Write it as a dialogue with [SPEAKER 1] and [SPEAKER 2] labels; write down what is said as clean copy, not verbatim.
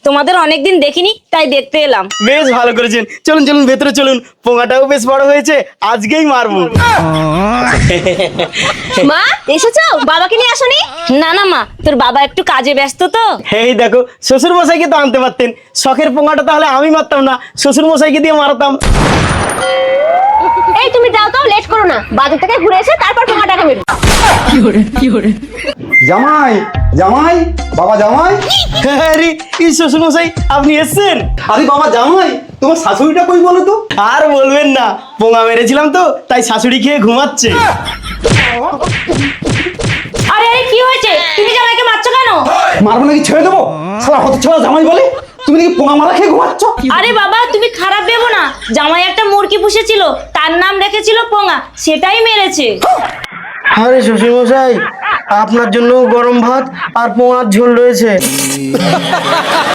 [SPEAKER 1] তোমাদের অনেকদিন দেখিনি তাই দেখতে এলাম।
[SPEAKER 2] বেশ ভালো করেছেন, চলুন চলুন ভেতরে চলুন, পোঙাটাও বেশ বড় হয়েছে, আজকেই মারবো।
[SPEAKER 3] মা এসেছো? বাবাকে নিয়ে আসোনি?
[SPEAKER 1] না না মা, তোর বাবা একটু কাজে ব্যস্ত তো।
[SPEAKER 2] এই দেখো, শ্বশুর মশাইকে তো আনতে পারতেন, শখের পোঙাটা তাহলে আমি মারতাম না, শ্বশুর মশাইকে দিয়ে মারতাম।
[SPEAKER 3] এই তুমি যাও তো, লেট করো না, বাজার থেকে ঘুরে এসে তারপর তোমার টাকা মেরো।
[SPEAKER 4] জামাই জামাই, বাবা জামাই।
[SPEAKER 2] আরে এই শ্বশুর মশাই আপনি এসেছেন?
[SPEAKER 4] আরে বাবা জামাই, তোমার শাশুড়িটা কই বলো তো?
[SPEAKER 2] আর বলবেন না, পোঙা মেরেছিলাম তো তাই শাশুড়ি খেয়ে ঘুমাচ্ছে।
[SPEAKER 1] আরে আরে কি হয়েছে? তুমি জামাইকে মারছো কেন?
[SPEAKER 4] মারবো নাকি ছেড়ে দেবো? সারা হতে ছাড়া জামাই বলে তুমি নাকি পোঙা মারা খেয়ে ঘুমাচ্ছ?
[SPEAKER 1] আরে বাবা তুমি খারাপ ভেবো না, জামাই একটা মুরগি পুষেছিল, তার নাম রেখেছিল পোঙা, সেটাই মেরেছে।
[SPEAKER 2] আরে শ্বশুর মশাই, আপনার জন্য গরম ভাত আর পোঙার ঝোল রয়েছে।